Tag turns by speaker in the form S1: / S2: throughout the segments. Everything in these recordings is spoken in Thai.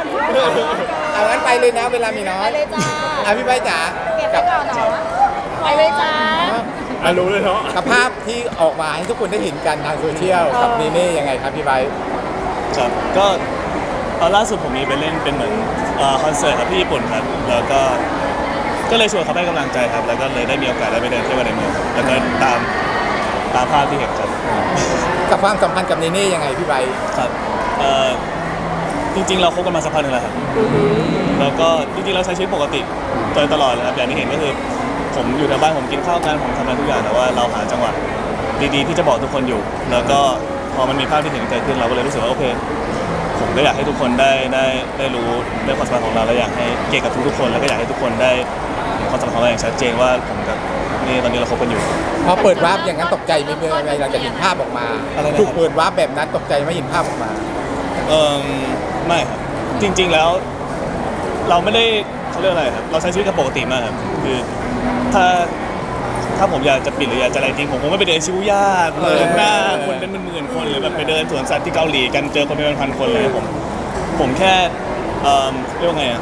S1: เอางั้นไปเลยนะเวลามีน้อ
S2: ไป
S1: ย
S2: เลยจ้า
S1: พี่ใบจ๋า
S2: เก็บไว้ก่อนเนาะไปเลยจ้า
S3: รู้เลยเนาะ
S1: กับภาพที่ออกมาให้ทุกคนได้เห็นกันทางโซเชียลกับเนเน่ยังไงครับพี่ใบ
S4: ครับก็ล่าสุดผมมีไปเล่นเป็นเหมือนคอนเสิร์ตครับที่ญี่ปุ่นครับแล้วก็เลยชวนเขาให้กำลังใจครับแล้วก็เลยได้มีโอกาสได้ไปเดินเที่ยวกันในเมืองครับแล้วก็ตามภาพที่เห็นครับ
S1: กับความสัมพันธ์กับเนเน่ยังไงพี่ใบ
S4: ครับจริงๆเราคบกันมาสักพักหนึงแล้วครับแล้วก็จริงๆเราใช้ชีวิตปกติโดยตลอดเลยครับอย่างที่เห็นก็คือผมอยู่ในบ้านผมกินข้าวกันผมทำงานทุกอย่างแต่ว่าเราหาจังหวะดีๆที่จะบอกทุกคนอยู่ แล้วก็พอมันมีภาพที่เห็นเกิดขึ้นเราก็เลยรู้สึกว่าโอเคผมก็อยากให้ทุกคนได้รู้เรื่องความสัมพันธ์ของเราและอยากให้เกียรติกับทุกๆคนแล้วก็อยากให้ทุกคนได้เห็นความสัมพันธ์ของเราอย่างชัดเจนว่าผมกับนี่ตอนนี้เราคบกันอยู่
S1: พอเปิดวาร์ปอย่างนั้นตกใจไหมเมื่อเราจะเห็นภาพออกมา
S4: อะไรนะครับ
S1: ถูกเปิดวาร์ปแบบนั้นตกใจไหม่เห็นภาพออกมา
S4: ไม่ครับจริงๆแล้วเราไม่ได้เขาเรียกอะไรครับเราใช้ชีวิตกันปกติมากครับคือถ้าผมอยากจะปิดหรืออยากจะอะไรจริงผมคงไม่ไปเดินชิบูย่าเดินหน้าคนเป็นหมื่นๆคนหรือแบบไปเดินสวนสัตว์ที่เกาหลีกันเจอคนเป็นพันๆคนเลยผมแค่เรียกว่าไงอ่ะ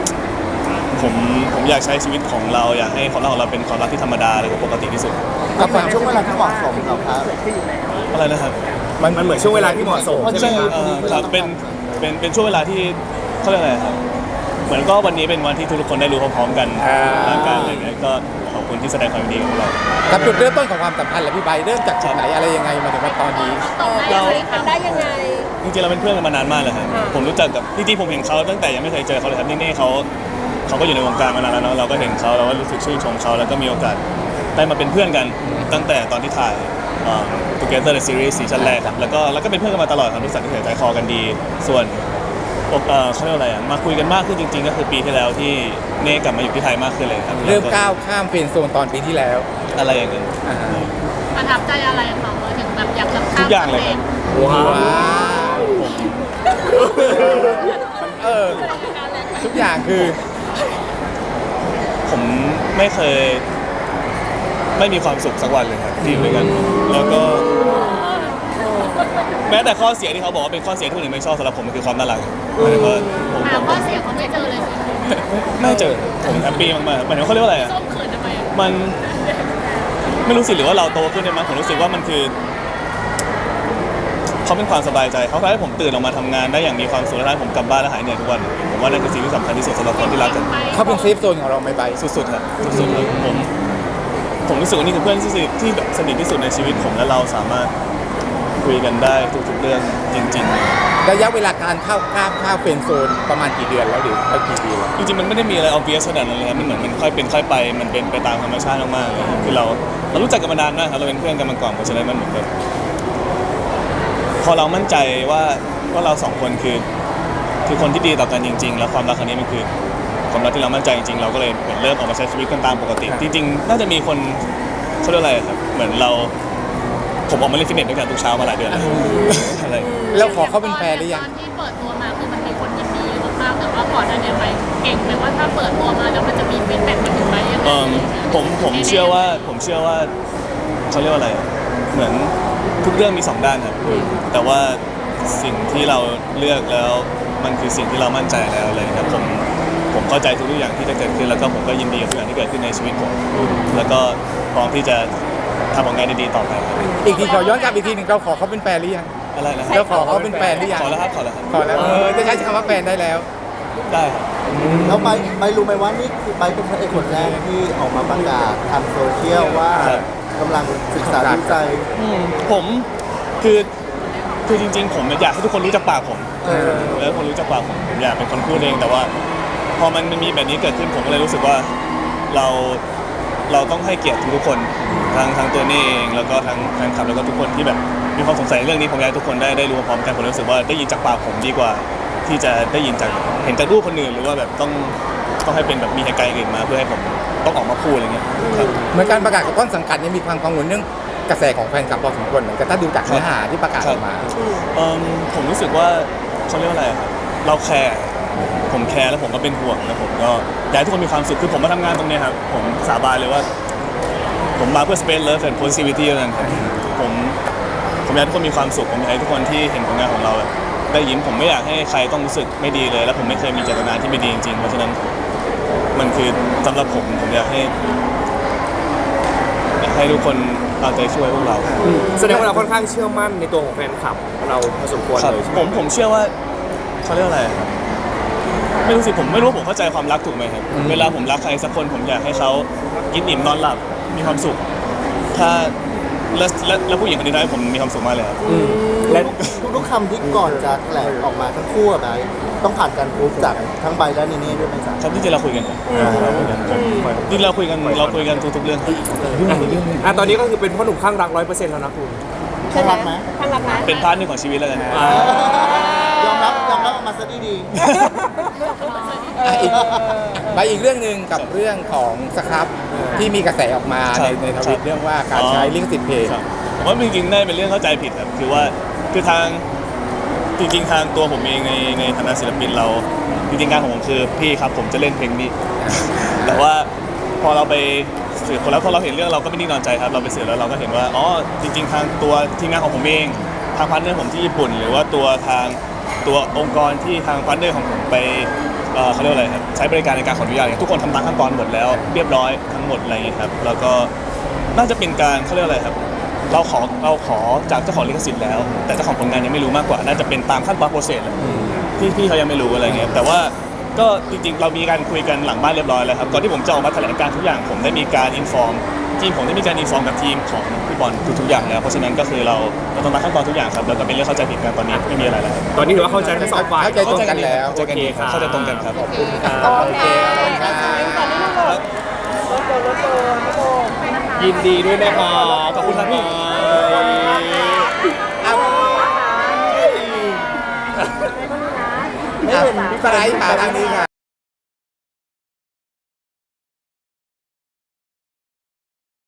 S4: ผมอยากใช้ชีวิตของเราอยากให้ความรักของเราเป็นความรักที่ธรรมดาและปกติที่สุด
S1: กับความ
S5: ช่วงเวลาที่เหมาะสมเราครับ
S4: อะไรนะครับ
S3: มันเหมือนช่วงเวลาที่เหมาะสมใช่ไหมครับ
S4: ครับเป็นช่วงเวลาที่เขาเรียกอะไรครับเหมือนก็วันนี้เป็นวันที่ทุกคนได้รู้พร้อมๆกันทางการอะไรเงี้ยก็ขอบคุณที่แสดงความยินดีกับเรา
S1: กับจุดเริ่มต้นของความสัมพันธ์แหละพี่ใบเริ่มจากจุดไหนอะไรยังไงมาถึงว่าตอนนี้
S4: เรา
S2: ทำได้ยังไง
S4: จริงๆเราเป็นเพื่อนกันมานานมากเลยครับผมรู้จักกับจริงๆผมเห็นเขาตั้งแต่ยังไม่เคยเจอเขาเลยครับนี่เขาก็อยู่ในวงการมานานแล้วเนาะเราก็เห็นเขาเราก็รู้สึกชื่นชมเขาแล้วก็มีโอกาสได้มาเป็นเพื่อนกันตั้งแต่ตอนที่ถ่ายTogether the Series ซีซั่นแรกครับแล้วก็เป็นเพื่อนกันมาตลอดครับรู้สึกที่ใจคอกันดีส่วนเขาเรียกว่าอะไรอ่ะมาคุยกันมากขึ้นจริงๆก็คือปีที่แล้วที่เน่กลับมาอยู่ที่ไทยมากขึ้นเลยครับ
S1: เริ่มก้าวข้ามเฟรนด์โซนตอนปีที่แล้ว
S4: อะไรอย่างเงี้ย
S1: อ่า
S2: ประทับใจอะไรของเราถึงแบบอยากจะ
S4: ทุกอย่างเลยครับ
S1: ว้าวทุกอย่างคือ
S4: ผมไม่เคยไม่มีความสุขสักวันเลยครับที่อยู่ด้วยกันแล้วก็แม้แต่ข้อเสียที่เขาบอกว่าเป็นข้อเสียที่คนอื่นไม่ชอบสำหรับผมมันคือความน่ารักหมายถึงว่าผม
S2: หาข้อเสียเขาไม่เจอเลยสิ
S4: ไม่เจอผมแฮปปี้มากๆหมายถึงเขาเรียกว่าอะไรอ่ะ
S2: ส้มเขินทำไมอะ
S4: มันไม่รู้สิหรือว่าเราโตขึ้นได้มั้งผมรู้สึกว่ามันคือเขาเป็นความสบายใจเขาทำให้ผมตื่นออกมาทำงานได้อย่างมีความสุขและทำให้ผมกลับบ้านและหายเหนื่อยทุกวันผมว่านั่นคือสิ่งที่สำคัญที่สุดสำหรับคนที่รักกัน
S1: เขาเป็นเซฟโซนของเราไหมใบ
S4: สุดๆครับสุดๆครับผมรู้สึกว่านี่คือเพื่อนที่แบบสนิทที่สุดในชีวิตผมและเราสามารถคุยกันได้ทุกๆเรื่องจริงๆ
S1: ระยะเวลาการข้ามเฟรนด์โซนประมาณกี่เดือนแล้วหรือกี่ปีแล้ว
S4: จริงๆมันไม่ได้มีอะไร obvious ขนาดนั้นเลยครับมันเหมือนมันค่อยเป็นค่อยไปมันเป็นไปตามธรรมชาติมากๆเลยคือเรารู้จักกันมานานมากครับเราเป็นเพื่อนกันมาก่อนเพราะฉะนั้นมันเหมือนแบบพอเรามั่นใจว่าเราสองคนคือคนที่ดีต่อกันจริง ๆ แล้วความรักครั้งนี้มันคือความรักที่เรามั่นใจจริงๆเราก็เลยเหมือนเริ่มออกมาใช้ชีวิตกันตามปกติจริงๆน่าจะมีคนเขาเรียกอะไรครับเหมือนผมออกมาเล่นฟิตเนสด้วยกันทุกเช้ามาหลายเดือนแล้วอะไร
S1: แล้วขอเขาเป็นแฟนหรือยัง
S2: ตอนที่เปิดตัวมาคือมันมีคนยินดีมากๆแต่ว่าก่อนหน้านี้ไปเก่งไหมว่าถ้าเปิดตัวมาแล้วมันจะมีฟีดแบ็กมาถึงไหมยังไง
S4: ผมเชื่อว่าเขาเรียกว่าอะไรเหมือนทุกเรื่องมีสองด้านครับแต่ว่าสิ่งที่เราเลือกแล้วมันคือสิ่งที่เรามั่นใจแล้วเลยครับผมเข้าใจทุกอย่างที่จะเกิดขึ้นแล้วก็ผมก็ยินดีกับทุกอย่างที่เกิดขึ้นในชีวิตผมแล้วก็พร้อมที่จะทำผลงานดีๆต่อไปครับ
S1: อีกทีขอย้อนกลับอีกทีหนึ่งเราขอเขาเป็นแฟนหรือยัง
S4: อะไรนะ
S1: เราขอเขาเป็นแฟนหรือยัง
S4: ขอแล้วครับ
S1: ขอแล้วจะใช้คำว่าแฟนได้แล้ว
S4: ได้ครับ
S5: แล้วไปรู้ไหมว่านี่คือไปเป็นพระเอกคนแรกที่ออกมาประกาศทางโซเชียลว่ากำลังศึกษาดูใจ
S4: ผมคือจริงๆผมอยากให้ทุกคนรู้จักปากผมแล้วคนรู้จักปากผมอยากเป็นคนพูดเองแต่ว่าพอมันมีแบบนี้เกิดขึ้นผมก็เลยรู้สึกว่าเราต้องให้เกียรติทุกคนทั้งตัวนี่เองแล้วก็ทั้งแฟนคลับแล้วก็ทุกคนที่แบบมีความสงสัยในเรื่องนี้ผมอยากให้ทุกคนได้รู้พร้อมกันผมรู้สึกว่าได้ยินจากปากผมดีกว่าที่จะได้ยินจากเห็นจากรูปคนอื่นหรือว่าแบบต้องให้เป็นแบบมีเหตุการณ์อื่นมาเพื่อให้ผมต้องออกมาพูดอะไรเงี้ยครับ
S1: เหมือนการประกาศกับต้นสังกัดยังมีความกังวลเรื่องกระแสของแฟนคลับพอสมควรเหมือนกันถ้าดูจากเนื้อหาที่ประกาศออกมา
S4: ผมรู้สึกว่าเขาเรียกว่าอะไรครับเราแคร์ผมแคร์แล้วผมก็เป็นห่วงแล้วผมก็อยากให้ทุกคนมีความสุขคือผมมาทำงานตรงนี้ครับผมสาบานเลยว่าผมมาเพื่อ space love and positivity เท่านั้นครับผมอยากให้ทุกคนมีความสุขผมอยากให้ทุกคนที่เห็นผลงานของเราแบบได้ยินผมไม่อยากให้ใครต้องรู้สึกไม่ดีเลย แล้วผมไม่เคยมีเจตนาที่ไม่ดีจริงๆเพราะฉะนั้นมันคือสำหรับผมอยากให้ทุกคนเอาใจช่วยพวกเรา
S3: แสดงว่าเราค่อนข้างเชื่อมั่นในตัวของแฟนคลับเราพอสมควร
S4: ครับ
S3: เลยใช่ไห
S4: ผมเชื่อว่าเขาเรียกอะไรครับไม่รู้สิผมไม่รู้ว่าผมเข้าใจความรักถูกไหมครับเวลาผมรักใครสักคนผมอยากให้เขากินอิ่มนอนหลับมีความสุขถ้าแล้วผู้หญิงคนนี้ทำให้ผมมีความสุขมากเลยครับ
S3: และ
S5: ทุกๆคำที่ก่อนจะแถลงออกมาทั้งคู่อะนะต้องผ่านการพูดจากทั้งใบและนีนี่ด้วยไหมจ๊ะ
S4: ครับที่จริงเราคุยกันครับจริงเราคุยกันทุกๆเรื่องครับ
S3: ตอนนี้ก็คือเป็นพ่อหนุ่มข้างรัก 100%แล้วนะคุณ
S5: ใช่ไหม
S2: ข้างหลังนะ
S4: เป็นพาร์ทหนึ่งของชีวิตแล้วกัน
S5: ยอมรับออกมาซะดี
S1: ไปอีกเรื่องหนึ่งกับเรื่องของสครับที่มีกระแสออกมาในทวิตเรื่องว่าการใช้ลิขสิทธิ์เพลง
S4: ครับผมว่าจริงๆได้เป็นเรื่องเข้าใจผิดครับคือว่าคือทางจริงๆทางตัวผมเองในฐานะศิลปินเราจริงๆงานของผมคือพี่ครับผมจะเล่นเพลงนี้ แต่ว่าพอเราไปสืบคนแล้วพอเราเห็นเรื่องเราก็ไม่นิ่งนอนใจครับเราไปสืบแล้วเราก็เห็นว่าอ๋อจริงๆทางตัวทีมงานของผมเองทางพาร์ทเนอร์ผมที่ญี่ปุ่น หรือว่าตัวองค์กรที่ทางพาร์ทเนอร์ของผมไปเขาเรียกว่าอะไรครับใช้บริการในการขออนุญาตเนี่ยทุกคนทำตามขั้นตอนหมดแล้วเรียบร้อยทั้งหมดอะไรอย่างเงี้ยครับแล้วก็น่าจะเป็นการเขาเรียกว่าอะไรครับเราขอจากเจ้าของลิขสิทธิ์แล้ว แต่เจ้าของผลงานยังไม่รู้มากกว่าน่าจะเป็นตามขั้นตอนโปรเซสเลยที่พี่เขายังไม่รู้อะไรเงี้ยแต่ว่าก็จริงๆเรามีการคุยกันหลังบ้านเรียบร้อยแล้วครับก่อนที่ผมจะออกมาแถลงการทุกอย่างผมได้มีการอินฟอร์มทีมผมได้มีการอินฟอร์มกับทีมของพี่บอลทุกๆอย่างแล้วเพราะฉะนั้นก็คือเราต้องตามขั้นตอนทุกอย่างครับแล้วก็เป็นเรื่องเข้าใจผิดกันตอนนี้ไม่มีอะไรแล้วครับ
S3: ตอนนี้ถือว่าเข้าใจทั้งสองฝ่าย
S1: เข้าใจตรงกันแล้ว
S4: เข้าใจกันดีครับเข้าใจตรงกันครับ
S1: โอเคครับ
S3: ยินดีด้วยนะครับ
S4: ขอบคุณครับพี่
S1: พี่ปรายค่ะทางนี้ค่ะ